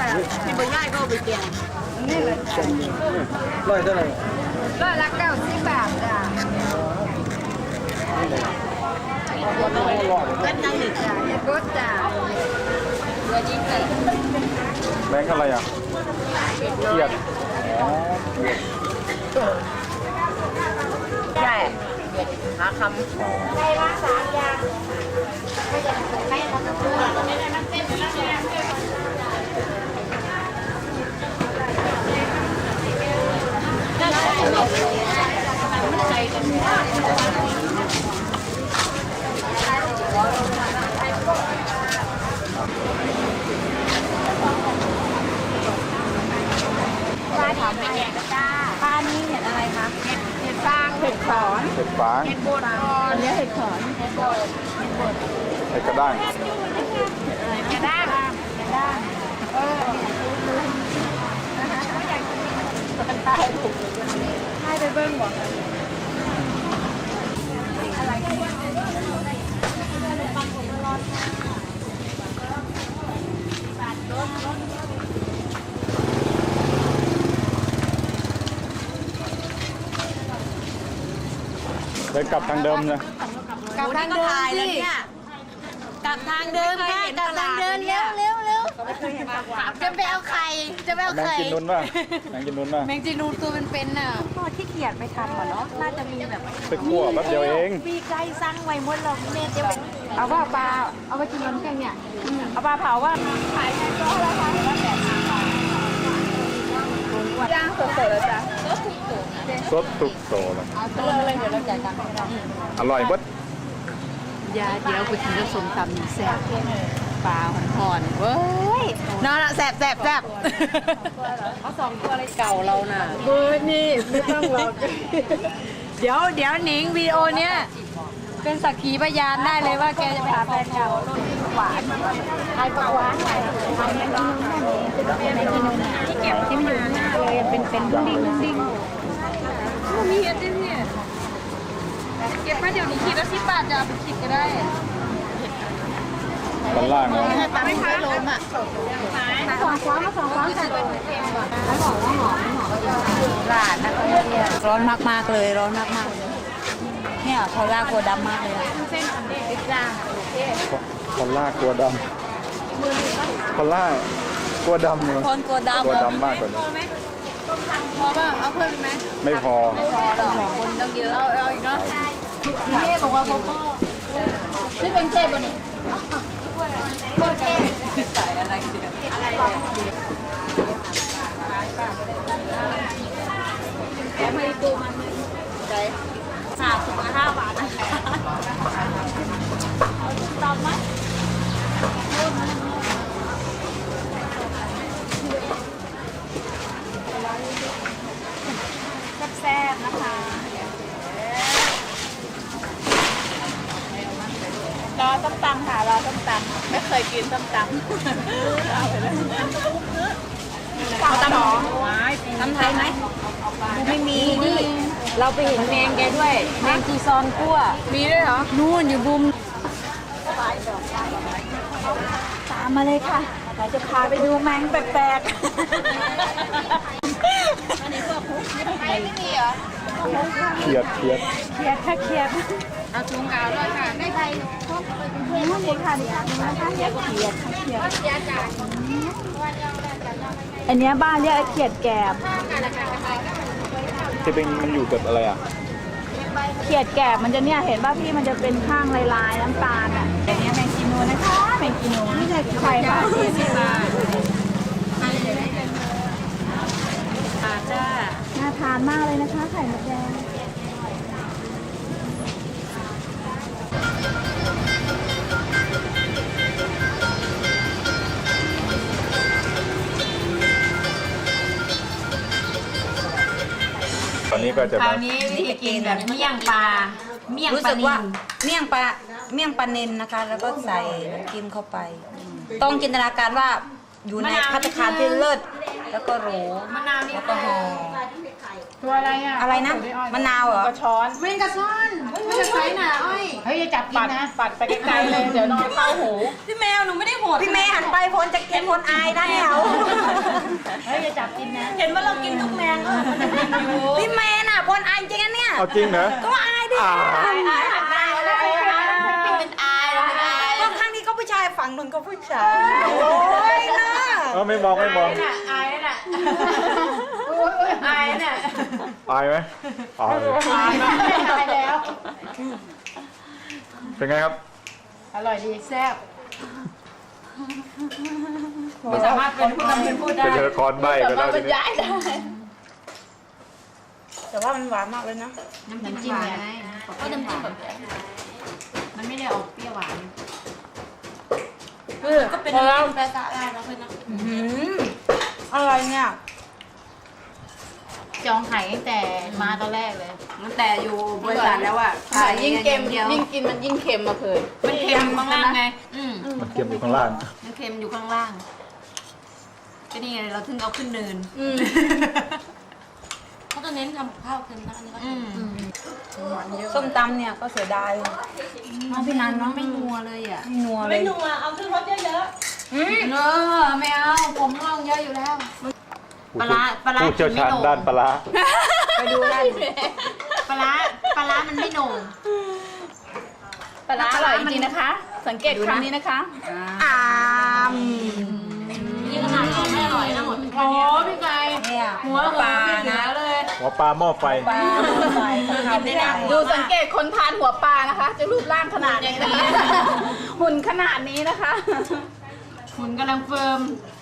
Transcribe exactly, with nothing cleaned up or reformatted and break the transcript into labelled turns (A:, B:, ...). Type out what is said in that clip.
A: ที่บ่ย่ายก็ไปแกงนี่เลย
B: ร้อยเท่าไหร่
A: ร้อยละเก้าสิบบาทจ้ะกันยังหนึ่งจ้ะเฮ็ดรสจ้ะเรือยิ่งเลย
B: แบงค์อะไรอ่ะเกียดอ๋อเกียด
A: ใช่หาคำได้ละสามอย่างไม่จะไม่ทำตัวไม่ได้มันเต้นแล้วเนี่ยใจกันป้าถามเป็นไงก็จ้าป้านี่เห็ดอะไรคะเห็ดเห็ดฟางเห็ดขอน
B: เห็ดฟาง
A: เห็ดโบราณเนี่ยเห็ดขอนเห็ดโบราณ
B: เห็ดกระด้าง
A: กระด้างกระด้างเออมันตายถูกให้ไปเบิ้งบ่
B: เลยกลับทางเดิมเลย
A: กลับทางเดิมสิกลับทางเดิมค่ะกลับทางเดินเร็วเร็วเร็วจะไปเอาไข่จะไปเอา
B: แมง
A: ไข่
B: กินนุ่นป่ะแมงกินนุ่นป่ะ
A: แมงจีนูนตัวเป็นๆน่ะพ่อที่เกียจไปทำเหรอเนาะน่าจะมีแบบ
B: ไปคั่วแป๊บเดียวเอง
A: ปีไก่สั่งไว้หมดเราเมย์จะเอาว่าปลาเอาไปกินน้ำแข็งเนี่ยเอาปลาเผาว่าขายแค่ก็ราคาละแปดสิบบาทย่างสดๆเลยจ้ะ
B: สดทุกโตเลย
A: เอาตัวเลยเดี๋ยวเราจ่ายตังค์ให้เรา
B: อร่อยเบิด
A: ยาเดี๋ยวไปกินกับส้มตำแซ่บปลาห่อนๆเว้ยนอนละแซ่บแซ่บแซ่บเอาสองตัวเลยเก่าเราน่ะเบอร์นี่ไม่ต้องหรอกเดี๋ยวเดี๋ยวหนิงวิดีโอเนี้ยเป็นสักขีพยานได้เลยว่าแกจะไปหาแฟนเก่าหวานไทยปลาหวานไทยแมงกินนุ่มแมงกินนุ่มที่เก็บที่มันอยู่หน้าเลยเป็นเป็นดิ้งดิ้งมีเห็ดด้วยเนี่ยเก็บมาเดี๋ยวนี้คิดละสิบบาทจะเอาไปคิดก็ได้
B: ตอนล่าง
A: ไม่ขายลมอ่ะสองฟ้ามาสองฟ้าใส่ไปเต็มก่อนแล้วหอมแล้วหอมหอมหลานนะร้อนมากๆเลยร้อนมากๆเนี่ยเขาลากตัวดำมากเลยเส้นอันนี้ติดจ้า
B: คอลล่ากลัวดำคอลล่ากลัวดำเลย
A: คนกลัวดำ
B: กลัวดำมากกว่านี้
A: พอป่ะเอาเพิ่มไหม
B: ไม่พอ
A: ไม่พอหรอกคนต้องเยอะเอาเอาอีกเนาะเท่บอกว่าเขาก็ชื่อเป็นเท่บนนี้โคตรเท่ใส่อะไรเดียวอะไรแกไม่ตัวมันใจสามสิบห้าบาทนะคะเอาตอบไหมแซ่บๆนะคะรอส้มตำค่ะรอส้มตำไม่เคยกินส้มตำเอาไปเลยเอาตำหรอตำไทยไหมไม่มีนี่เราไปเห็นแมงแกด้วยแมงจีซอนกั้วมีด้วยเหรอนู่นอยู่บุมตามมาเลยค่ะเราจะพาไปดูแมงแปลกๆไม่มีเหรอ
B: เขียดเขียด
A: เขียดค่ะเขียดเอาถุงกาวด้วยค่ะได้ใครนู่นเลยค่ะนี่นะคะเขียดเขียดเขียดอันนี้บ้านเรียกเขียดแกบ
B: ที่เป็นมันอยู่กับอะไรอ่ะ
A: เขียดแกบมันจะเนี่ยเห็นป่ะพี่มันจะเป็นข้างลายๆน้ำตาลอ่ะอันนี้แมงกินูนะคะแมงกินูไม่ใช่ไข่ค่ะสี่สิบบาทจ้าน่าทานมากเลยนะคะไข่มดแดง
B: ตอนนี้ก็จะ
A: คราวนี้วิธีกินแบบเมี่ยงปลาเมี่ยง
C: รู้
A: ปลา
C: สึก
A: นิ
C: ว่า
A: ล
C: เมี่ยงปลาเมี่ยงปลาเนนนะคะ แล้วก็ใส่น้ำจิ้มเข้าไป ต้องจินตนาการว่าอยู่ในภัตตาคารที่เลิศแล้วก็หรูแล้วก็หอ
D: ตัวอะไรอ่ะ
C: อะไรนะมะนาวเหรอ
D: กระช้อน
A: เมนกระซ่อนไม่จะใช้หนาอ้อย
D: เฮ้ยอย่าจับกินนะปัดไปไกลๆเลยเดี๋ยวนอนเข้าหู
C: พี่แมวหนูไม่ได้โหดพี่แมวหันไปพลจะกินพลอายได้แล้ว
D: เฮ้ยอย่าจับกินนะ
C: เห็นว่าเรากินทุกแมงก็พี่แมนอ่ะพลอายจริงนะเนี่ย
B: เอาจริงเหรอ
C: ก็อายดิ
B: อ่า
C: อายอายหันหน้าเลย
A: เป็นอายเราเป็นอาย
C: ก็ข้างนี้ก็ผู้ชายฝั่งนึงก็ผู้ชายโอ้ยนะ
B: เออไม่มองไม่มอง
A: อายน่ะอายน่ะ
B: อายไหมอาย
D: ตายแล้วตายแล้ว
B: เป็นไงครับ
D: อร่อยดีแซ่บ
C: ไม่สามารถเป็นผู้นำเป็นผู้ได้
B: เป็นละครใบไปแล้วทีนี้
D: ย้ายได้
C: แต่ว่ามันหวานมากเลยนะ
A: น้ำจิ้มไงก็น้ำจิ้มแบบมันไม่ได้ออกเปรี้ยวหวาน
C: ก็เป็นน้ำจิ้มแปะซะได้แล้วเพื่อนนะอะไรเนี่ย
D: จองไข่ตั้งแต่มาตอนแรกเลย
A: ตั้งแต่อยู่บริษัทแล้วอ่ะ
D: ยิ่งเค็ม
A: เดียว
D: ยิ่งกินมันยิ่งเค็มมาเคย
A: มันเค็มข้างล่างไงอืม
B: มันเค็มอยู่ข้างล่าง
A: มันเค็มอยู่ข้างล่างก็นี่ไงเราถึงเอาขึ้นเนิน
C: เขาจะเน้นทำข้าวเค็มนะอันนี้ก็
A: อืม
C: ส้มตำเนี่ยก็เสียดายน้องพี่นันน้อง
A: ไม่นัวเลยอ่ะ
C: ไม่นัวเลย
E: ไม่นัวเอาขึ้นรถเยอะ
A: เออไม่เอาผมลองเยอะอยู่แล้ว ปลาร้าปลาร้า
B: ผู้เชี่ยวชาญด้านปลาร้า
A: ไปดูได้ปลาร้าปลาร้ามันไม่โหน่ง
D: ปลาร้าอร่อยจริงๆนะคะ สังเกตคำนี้นะคะ
C: อ่าม
A: นี่ขนาดเราไม่อร่อยนะหมด
D: โอ้พี่ไก่
C: เนี่ย
A: หัวปลานะ
D: เลย
B: หัวปลาหม้อไฟ
C: ปลาใส่ข้าวไม่ได้
D: ดูสังเกตคนทานหัวปลานะคะ จะรูปร่างขนาดนี้นะคะหุ่นขนาดนี้นะคะ
A: หุ่นกำลังเฟิร์ม